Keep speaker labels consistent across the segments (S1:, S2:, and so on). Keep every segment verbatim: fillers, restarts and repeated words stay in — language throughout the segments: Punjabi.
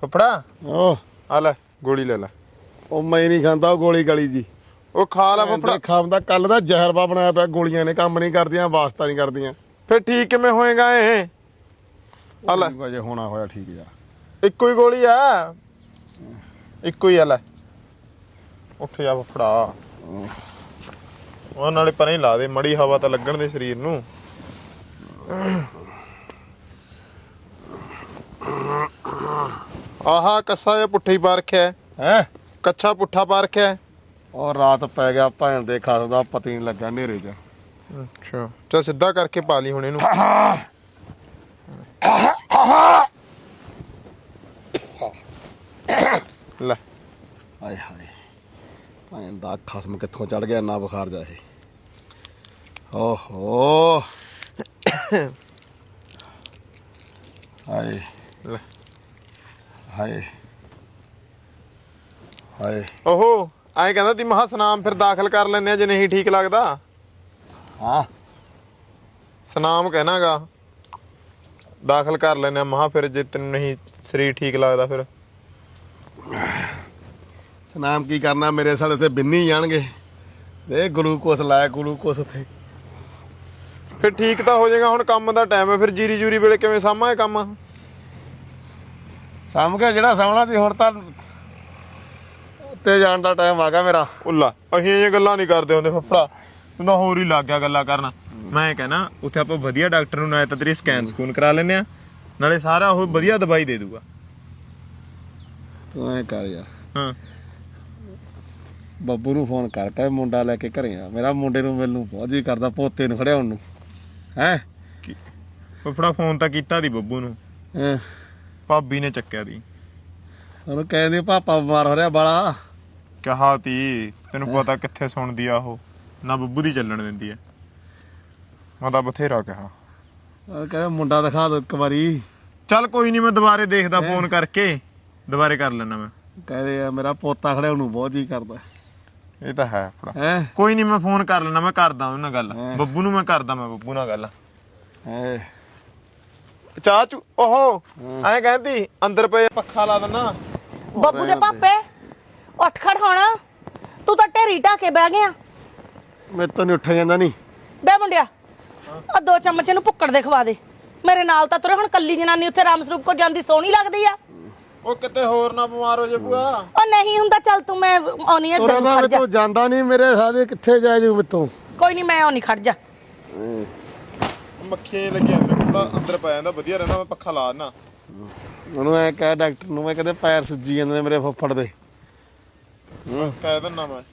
S1: ਫਫੜਾ
S2: ਓ
S1: ਆ ਲੈ ਗੋਲੀ ਲੈ ਲੈ।
S2: ਉਹ ਮੈਂ ਨਹੀਂ ਖਾਂਦਾ ਉਹ ਗੋਲੀ ਗਲੀ ਜੀ।
S1: ਉਹ ਖਾ ਲੈ ਫਫੜਾ।
S2: ਖਾਂਦਾ ਕੱਲ ਦਾ ਜ਼ਹਿਰਵਾ ਬਣਾਇਆ ਪਿਆ। ਗੋਲੀਆਂ ਨੇ ਕੰਮ ਨਹੀਂ ਕਰਦੀਆਂ, ਵਾਸਤਾ ਨਹੀਂ ਕਰਦੀਆਂ।
S1: ਫਿਰ ਠੀਕ ਕਿਵੇਂ ਹੋਏਗਾ ਇਹ? ਆ ਲੈ
S2: ਅਜੇ ਹੋਣਾ ਹੋਇਆ ਠੀਕ ਜਾ।
S1: ਇੱਕੋ ਹੀ ਗੋਲੀ ਆ, ਇੱਕੋ ਹੀ ਆ ਲੈ। ਉੱਠ ਜਾ ਫਫੜਾ। ਉਹ ਨਾਲੇ ਪਰੇ ਹੀ ਲਾ ਦੇ, ਮੜੀ ਹਵਾ ਤਾਂ ਲੱਗਣ ਦੇ ਸਰੀਰ ਨੂੰ। ਆਹਾ ਕੱਸਾ ਜਿਹਾ ਪੁੱਠਾ ਹੀ ਪਾ ਰੱਖਿਆ
S2: ਹੈ।
S1: ਕੱਛਾ ਪੁੱਠਾ ਪਾ ਰੱਖਿਆ।
S2: ਉਹ ਰਾਤ ਪੈ ਗਿਆ ਭੈਣ ਦੇ ਖਾਸ ਦਾ ਪਤਾ ਨਹੀਂ ਲੱਗਾ ਹਨੇਰੇ 'ਚ।
S1: ਅੱਛਾ ਚੱਲ ਸਿੱਧਾ ਕਰਕੇ ਪਾ ਲਈ ਹੁਣ ਇਹਨੂੰ। ਲੈ
S2: ਆਏ ਹਾਏ ਭੈਣ ਦਾ ਖਸਮ ਕਿੱਥੋਂ ਚੜ ਗਿਆ ਇੰਨਾ ਬੁਖਾਰ ਜਾ ਇਹ। ਓਹੋ ਹਾਏ
S1: ਲੈ
S2: ਹਾਏ ਹਾਏ।
S1: ਓਹੋ ਐਂ ਕਹਿੰਦਾ ਤੀ ਮਹਾ ਸਨਾਮ ਫਿਰ ਦਾਖਲ ਕਰ ਲੈਂਦੇ ਆ ਜੇ ਨਹੀਂ ਠੀਕ ਲੱਗਦਾ।
S2: ਹਾਂ
S1: ਸਨਾਮ ਕਹਿਣਾਗਾ ਦਾਖਲ ਕਰ ਲੈਂਦੇ ਆ ਮਹਾ, ਫਿਰ ਜੇ ਤੈਨੂੰ ਨਹੀਂ ਸਰੀਰ ਠੀਕ ਲੱਗਦਾ ਫਿਰ।
S2: ਸਨਾਮ ਕੀ ਕਰਨਾ, ਮੇਰੇ ਸਾਲੇ ਤੇ ਬਿੰਨੀ ਜਾਣਗੇ। ਇਹ ਗਲੂਕੋਸ ਲਾਇਆ ਗਲੂਕੋਸ ਉੱਥੇ।
S1: ਫਿਰ ਠੀਕ ਤਾਂ ਹੋ ਜਾਏਗਾ। ਹੁਣ ਕੰਮ ਦਾ ਟਾਈਮ ਹੈ, ਫਿਰ ਜੀਰੀ ਜੂਰੀ ਵੇਲੇ ਕਿਵੇਂ ਸਾਂਭਾਂ ਇਹ ਕੰਮ?
S2: ਸਾਂਭ ਕੇ ਜਿਹੜਾ ਸਾਹਮਣਾ ਸੀ ਹੁਣ ਤਾਂ ਉੱਤੇ ਜਾਣ ਦਾ ਟਾਈਮ ਆ ਗਿਆ ਮੇਰਾ।
S1: ਉੱਲਾ ਅਸੀਂ ਇਹ ਗੱਲਾਂ ਨਹੀਂ ਕਰਦੇ ਹੁੰਦੇ ਫੱਫੜਾ, ਤੂੰ ਤਾਂ ਹੋਰ ਹੀ ਲੱਗ ਗਿਆ ਗੱਲਾਂ ਕਰਨਾ। ਮੈਂ ਕਹਿਣਾ ਉੱਥੇ ਆਪਾਂ ਵਧੀਆ ਡਾਕਟਰ ਨੂੰ ਨਾਲੇ ਤਾਂ ਤੇਰੀ ਸਕੈਨ ਸਕੂਨ ਕਰਾ ਲੈਂਦੇ ਆ, ਨਾਲੇ ਸਾਰਾ ਉਹ ਵਧੀਆ ਦਵਾਈ ਦੇ ਦੂਗਾ।
S2: ਤੂੰ ਐ ਕਰ ਯਾਰ,
S1: ਹਾਂ
S2: ਬੱਬੂ ਨੂੰ ਫੋਨ ਕਰਕੇ ਮੁੰਡਾ ਲੈ ਕੇ ਘਰੇ ਆ। ਮੇਰਾ ਮੁੰਡੇ ਨੂੰ ਮਿਲਣ ਨੂੰ ਬਹੁਤ ਜੀ ਕਰਦਾ, ਪੋਤੇ ਨੂੰ ਖੜਿਆ ਉਹਨੂੰ। ਹੈ
S1: ਫੱਫੜਾ ਫੋਨ ਤਾਂ ਕੀਤਾ ਦੀ ਬੱਬੂ ਨੂੰ,
S2: ਹੈਂ
S1: ਭਾਬੀ ਨੇ ਚੱਕਿਆ ਦੀ।
S2: ਉਹਨੂੰ ਕਹਿੰਦੇ ਪਾਪਾ ਬਿਮਾਰ ਹੋ ਰਿਹਾ ਬਾਲਾ।
S1: ਕਿਹਾ ਤੀ ਤੈਨੂੰ ਪਤਾ ਕਿੱਥੇ ਸੁਣਦੀ ਆ ਉਹ, ਨਾ ਬੱਬੂ ਦੀ ਚੱਲਣ ਦਿੰਦੀ ਐ। ਮੈਂ ਤਾਂ ਬਥੇਰਾ ਕਿਹਾ।
S2: ਉਹ ਕਹਿੰਦਾ ਮੁੰਡਾ ਦਿਖਾ ਦੋ ਇੱਕ ਵਾਰੀ।
S1: ਚੱਲ ਕੋਈ ਨਹੀਂ, ਮੈਂ ਦੁਬਾਰੇ ਦੇਖਦਾ ਫੋਨ ਕਰਕੇ, ਦੁਬਾਰੇ ਕਰ ਲੈਣਾ ਮੈਂ।
S2: ਕਹਿੰਦੇ ਆ ਮੇਰਾ ਪੋਤਾ ਖੜਿਆ ਉਹਨੂੰ ਬਹੁਤ ਜੀ ਕਰਦਾ।
S1: ਇਹ ਤਾਂ ਹੈ ਫੜਾ।
S2: ਹੈ
S1: ਕੋਈ ਨਹੀਂ, ਮੈਂ ਫੋਨ ਕਰ ਲੈਣਾ, ਮੈਂ ਕਰਦਾ ਉਹਨਾਂ ਨਾਲ ਗੱਲ। ਬੱਬੂ ਨੂੰ ਮੈਂ ਕਰਦਾ, ਮੈਂ ਬੱਬੂ ਨਾਲ ਗੱਲ।
S2: ਹੈ
S1: ਚਾਹ ਚੂ ਓਹੋ ਐਂ ਕਹਿੰਦੀ ਅੰਦਰ ਪਏ ਪੱਖਾ ਲਾ ਦਿੰਨਾ।
S3: ਬੱਬੂ ਦੇ ਪਾਪੇ ਉੱਠ ਖੜ ਹੁਣ, ਤੂੰ ਤਾਂ ਢੇਰੀ ਢਾ ਕੇ ਬਹਿ ਗਿਆ।
S2: ਮੇਰੇ ਤੋਂ ਨਹੀਂ ਉੱਠਿਆ ਜਾਂਦਾ। ਨਹੀਂ
S3: ਬੇ ਮੁੰਡਿਆ, ਆ ਦੋ ਚਮਚ ਇਹਨੂੰ ਭੁੱਕੜ ਦੇ ਖਵਾ ਦੇ। ਮੇਰੇ ਨਾਲ ਤਾਂ ਤੁਰੇ, ਹੁਣ ਕੱਲੀ ਜਨਾਨੀ ਉੱਥੇ ਰਾਮ ਸਰੂਪ ਕੋ ਜਾਂਦੀ ਸੋਹਣੀ ਲੱਗਦੀ ਆ।
S1: ਉਹ ਕਿਤੇ ਹੋਰ ਨਾ ਬਿਮਾਰ ਹੋ ਜੇ ਬੂਆ।
S3: ਉਹ ਨਹੀਂ ਹੁੰਦਾ, ਚੱਲ ਤੂੰ ਮੈਂ ਆਉਣੀ ਐ
S2: ਤੋਰਾ ਦਾ ਤੂੰ ਜਾਂਦਾ ਨਹੀਂ, ਮੇਰੇ ਸਾਲੇ ਕਿੱਥੇ ਜਾਏ ਜੂ ਮੇਤੋਂ।
S3: ਕੋਈ ਨਹੀਂ ਮੈਂ ਆਉਣੀ, ਖੜ ਜਾ।
S1: ਮੱਖੀਆਂ ਲੱਗੀਆਂ ਅੰਦਰ, ਥੋੜਾ ਅੰਦਰ ਪੈ ਜਾਂਦਾ ਵਧੀਆ ਰਹਿੰਦਾ। ਮੈਂ ਪੱਖਾ ਲਾ ਦਿੰਨਾ।
S2: ਉਹਨੂੰ ਐ ਕਹਿ ਡਾਕਟਰ ਨੂੰ, ਮੈਂ ਕਹਿੰਦੇ ਪੈਰ ਸੁੱਜੀ ਜਾਂਦੇ ਨੇ ਮੇਰੇ ਫੁੱਫੜ ਦੇ।
S1: ਕਹਿ ਦਿੰਨਾ ਮੈਂ।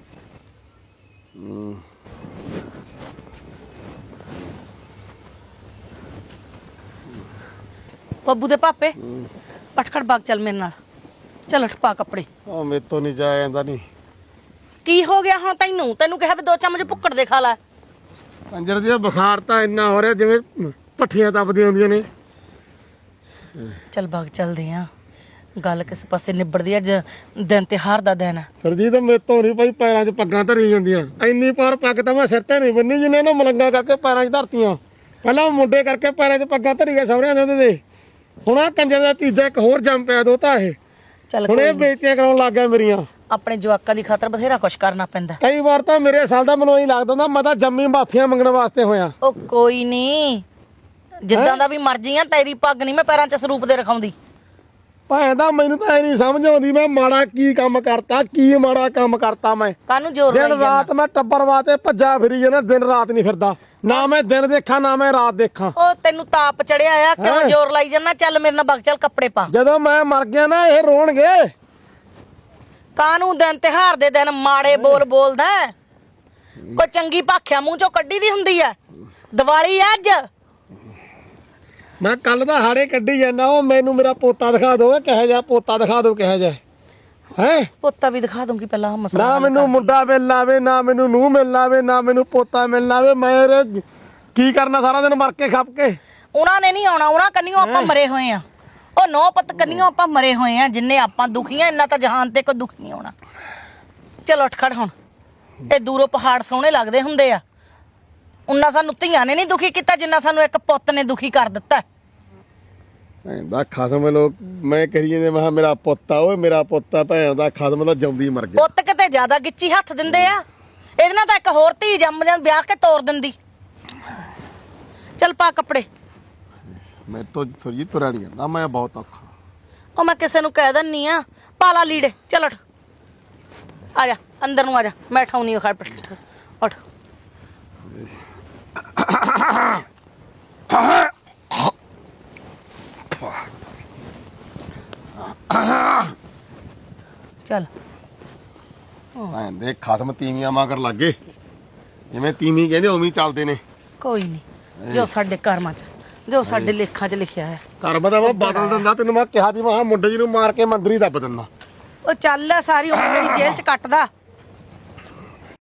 S3: ਬੱਬੂ ਦੇ ਪਾਪੇ ਉੱਠ ਖੜ ਬਾਗ ਚੱਲ ਮੇਰੇ ਨਾਲ। ਚੱਲ ਉੱਠ ਪਾ ਕੱਪੜੇ।
S2: ਉਹ ਮੇਰੇ ਤੋਂ ਨਹੀਂ ਜਾਇਆ ਜਾਂਦਾ। ਨਹੀਂ
S3: ਕੀ ਹੋ ਗਿਆ ਹੁਣ ਤੈਨੂੰ? ਤੈਨੂੰ ਕਿਹਾ ਵੀ ਦੋ ਚਮਚ ਭੁੱਕੜ ਦੇ ਖਾ ਲੈ।
S2: ਕੰਜਰ ਦੀ ਬੁਖਾਰ ਤਾਂ ਇੰਨਾ ਹੋ ਰਿਹਾ ਜਿਵੇਂ ਪੱਠੀਆਂ ਤਪਦੀਆਂ ਹੁੰਦੀਆਂ ਨੇ।
S3: ਚੱਲ ਬਾਗ ਚੱਲਦੇ ਆ, ਗੱਲ ਕਿਸ ਪਾਸੇ ਨਿਬੜਦੀ। ਅੱਜ ਦਿਨ ਤਿਉਹਾਰ ਦਾ ਦਿਨ ਆ।
S2: ਸਰਜੀਤ ਮੇਰੇ ਤੋਂ ਨਹੀਂ ਭਾਈ ਪੈਰਾਂ 'ਚ ਪੱਗਾਂ ਧਰੀ ਜਾਂਦੀਆਂ। ਇੰਨੀ ਪਾਰ ਪੱਗ ਤਾਂ ਮੈਂ ਸਿਰ ਤੇ ਨਹੀਂ ਬੰਨੀ ਜਿੰਨੇ ਇਹਨਾਂ ਮਲੰਗਾ ਕਰਕੇ ਪੈਰਾਂ 'ਚ ਧਰਤੀਆਂ। ਪਹਿਲਾਂ ਮੁੰਡੇ ਕਰਕੇ ਪੈਰਾਂ 'ਚ ਪੱਗਾਂ ਧਰੀ ਗਏ ਸਹੁਰਿਆਂ ਦੇ ਉਹਦੇ ਦੇ। ਹੁਣ ਆ ਕੰਜਰ ਦਾ ਤੀਜਾ ਇੱਕ ਹੋਰ ਜੰਮ ਪਿਆ ਦੋਤਾ ਇਹ।
S3: ਚੱਲ
S2: ਹੁਣ ਇਹ ਬੇਇੱਜ਼ਤੀਆਂ ਕਰਾਉਣ ਲੱਗ ਗਿਆ ਮੇਰੀਆਂ।
S3: ਆਪਣੇ ਜਵਾਕਾਂ ਦੀ ਖਾਤਰ ਬਥੇਰਾ ਕੁਛ ਕਰਨਾ ਪੈਂਦਾ।
S2: ਕਈ ਵਾਰ ਤਾਂ ਮੇਰੇ ਸਾਲ ਦਾ ਮੈਨੂੰ ਇਹੀ ਲੱਗਦਾ ਹੁੰਦਾ ਮੈਂ ਤਾਂ ਜੰਮੀ ਮਾਫੀਆਂ ਮੰਗਣ ਵਾਸਤੇ ਹੋਇਆ।
S3: ਉਹ ਕੋਈ ਨਹੀਂ, ਜਿੱਦਾਂ ਦਾ ਵੀ ਮਰਜੀ ਆ, ਤੇਰੀ ਪੱਗ ਨਹੀਂ ਮੈਂ ਪੈਰਾਂ 'ਚ ਸਰੂਪ ਦੇ ਰਖਾਉਂਦੀ।
S2: ਭਾਵੇਂ ਦਾ ਮੈਨੂੰ ਤਾਂ ਇਹ ਨਹੀਂ ਸਮਝ ਆਉਂਦੀ ਮੈਂ ਮਾੜਾ ਕੀ ਕੰਮ ਕਰਤਾ, ਕੀ ਮਾੜਾ ਕੰਮ ਕਰਤਾ ਮੈਂ।
S3: ਕਾਹਨੂੰ ਜ਼ੋਰ ਲਾਈ
S2: ਦਿਨ ਰਾਤ
S3: ਜਾਂਦਾ?
S2: ਮੈਂ ਟੱਬਰ ਵਾਸਤੇ ਭੱਜਾ ਫਿਰੀ ਜਾਂਦਾ, ਦਿਨ ਰਾਤ ਨਹੀਂ ਫਿਰਦਾ। ਨਾ ਮੈਂ ਦਿਨ ਦੇਖਾਂ ਨਾ ਮੈਂ ਰਾਤ ਦੇਖਾਂ।
S3: ਉਹ ਤੈਨੂੰ ਤਾਪ ਚੜਿਆ ਆ, ਕਿਉਂ ਜ਼ੋਰ ਲਾਈ ਜਾਂਦਾ? ਚੱਲ ਮੇਰੇ ਨਾਲ ਬਗ, ਚੱਲ ਕੱਪੜੇ ਪਾ।
S2: ਜਦੋਂ ਮੈਂ ਮਰ ਗਿਆ ਨਾ ਇਹ ਰੋਣਗੇ।
S3: ਕਾਹਨੂੰ ਦਿਨ ਤਿਉਹਾਰ ਦੇ ਦਿਨ ਮਾੜੇ ਬੋਲ ਬੋਲਦਾ? ਕੋਈ ਚੰਗੀ ਭਾਖਿਆ ਮੂੰਹ ਚੋਂ ਕੱਢੀ ਦੀ ਹੁੰਦੀ ਆ। ਦੀਵਾਲੀ ਅੱਜ
S2: ਮੈਂ ਕੱਲ ਦਾ ਹਾੜੇ ਕੱਢੀ ਜਾਂਦਾ। ਉਹ ਮੈਨੂੰ ਮੇਰਾ ਪੋਤਾ ਦਿਖਾ ਦੋ, ਕਿਹੋ ਜਿਹਾ ਪੋਤਾ ਦਿਖਾ ਦੋ, ਕਿਹੋ ਜਿਹਾ ਹੈ।
S3: ਪੋਤਾ ਵੀ ਦਿਖਾ ਦੂੰਗੀ ਪਹਿਲਾਂ ਮਸਲਾ।
S2: ਨਾ ਮੈਨੂੰ ਮੁੰਡਾ ਮਿਲਣਾ ਆਵੇ, ਨਾ ਮੈਨੂੰ ਨੂੰਹ ਮਿਲਣਾ ਆਵੇ, ਨਾ ਮੈਨੂੰ ਪੋਤਾ ਮਿਲਣਾ ਆਵੇ। ਮੈਂ ਕੀ ਕਰਨਾ ਸਾਰਾ ਦਿਨ ਮਰ ਕੇ ਖੱਪ ਕੇ?
S3: ਉਹਨਾਂ ਨੇ ਨਹੀਂ ਆਉਣਾ, ਉਹਨਾਂ ਕੰਨਿਓ ਆਪਾਂ ਮਰੇ ਹੋਏ ਆ। ਉਹ ਨੌ ਪੁੱਤ ਕੰਨਿਓ ਆਪਾਂ ਮਰੇ ਹੋਏ ਆ। ਜਿੰਨੇ ਆਪਾਂ ਦੁਖੀ ਆ, ਇੰਨਾ ਤਾਂ ਜਹਾਨ ਤੇ ਕੋਈ ਦੁੱਖ ਨਹੀਂ ਆਉਣਾ। ਚਲੋ ਉੱਠ ਖੜ ਹੁਣ। ਇਹ ਦੂਰੋਂ ਪਹਾੜ ਸੋਹਣੇ ਲੱਗਦੇ ਹੁੰਦੇ ਆ। ਉਹਨਾਂ ਸਾਨੂੰ ਧੀਆਂ ਨੇ ਨਹੀਂ ਦੁਖੀ ਕੀਤਾ ਜਿੰਨਾ ਸਾਨੂੰ ਇੱਕ ਪੁੱਤ ਨੇ ਦੁਖੀ ਕਰ ਦਿੱਤਾ।
S2: ਦਾ ਖਸਮ ਲੋਕ ਮੈਂ ਕਹੀ ਜਾਂਦੇ ਮੈਂ ਕਿਹਾ ਮੇਰਾ ਪੁੱਤ ਆ ਓਏ ਮੇਰਾ ਪੁੱਤ ਆ ਭੈਣ ਦਾ ਖਸਮ ਦਾ ਜੰਮਦੀ ਮਰ ਗਿਆ।
S3: ਪੁੱਤ ਕਿਤੇ ਜ਼ਿਆਦਾ ਗਿੱਚੀ ਹੱਥ ਦਿੰਦੇ ਆ, ਇਹਦੇ ਨਾਲ ਤਾਂ ਇੱਕ ਹੋਰ ਧੀ ਜੰਮ ਜਾਂ ਵਿਆਹ ਕੇ ਤੋਰ ਦਿੰਦੀ। ਚੱਲ ਪਾ ਕੱਪੜੇ।
S2: ਮੈਂ ਤੋਂ ਸੁਰਜੀ ਤੁਰਿਆ ਨਹੀਂ ਜਾਂਦਾ, ਮੈਂ ਬਹੁਤ ਔਖਾ।
S3: ਉਹ ਮੈਂ ਕਿਸੇ ਨੂੰ ਕਹਿ ਦਿੰਨੀ ਆ ਪਾ ਲਾ ਲੀੜੇ। ਚੱਲ ਉੱਠ ਆ ਜਾ ਅੰਦਰ ਨੂੰ ਆ ਜਾ, ਮੈਂ ਠਾਉਣੀ ਖੜ ਪਿੱਠ ਉੱਠ। ਚੱਲ
S2: ਭੈਣ ਦੇ ਖਸਮ ਤੀਵੀਆਂ ਮਗਰ ਲੱਗੇ, ਜਿਵੇਂ ਤੀਵੀਂ ਕਹਿੰਦੇ ਉਵੇਂ ਹੀ ਚੱਲਦੇ ਨੇ।
S3: ਕੋਈ ਨਹੀਂ, ਜੋ ਸਾਡੇ ਕਰਮਾਂ 'ਚ ਜੋ ਸਾਡੇ ਲੇਖਾਂ 'ਚ ਲਿਖਿਆ ਹੈ।
S2: ਕਰਮ ਦਾ ਮੈਂ ਬਦਲ ਦਿੰਦਾ ਤੈਨੂੰ, ਮੈਂ ਕਿਹਾ ਸੀ ਮੈਂ ਕਿਹਾ ਮੁੰਡੇ ਜੀ ਨੂੰ ਮਾਰ ਕੇ ਮੰਦਰੀ ਦੱਬ ਦਿੰਦਾ।
S3: ਉਹ ਚੱਲ ਸਾਰੀ ਉਮਰ ਮੇਰੀ ਜੇਲ੍ਹ 'ਚ ਕੱਟਦਾ।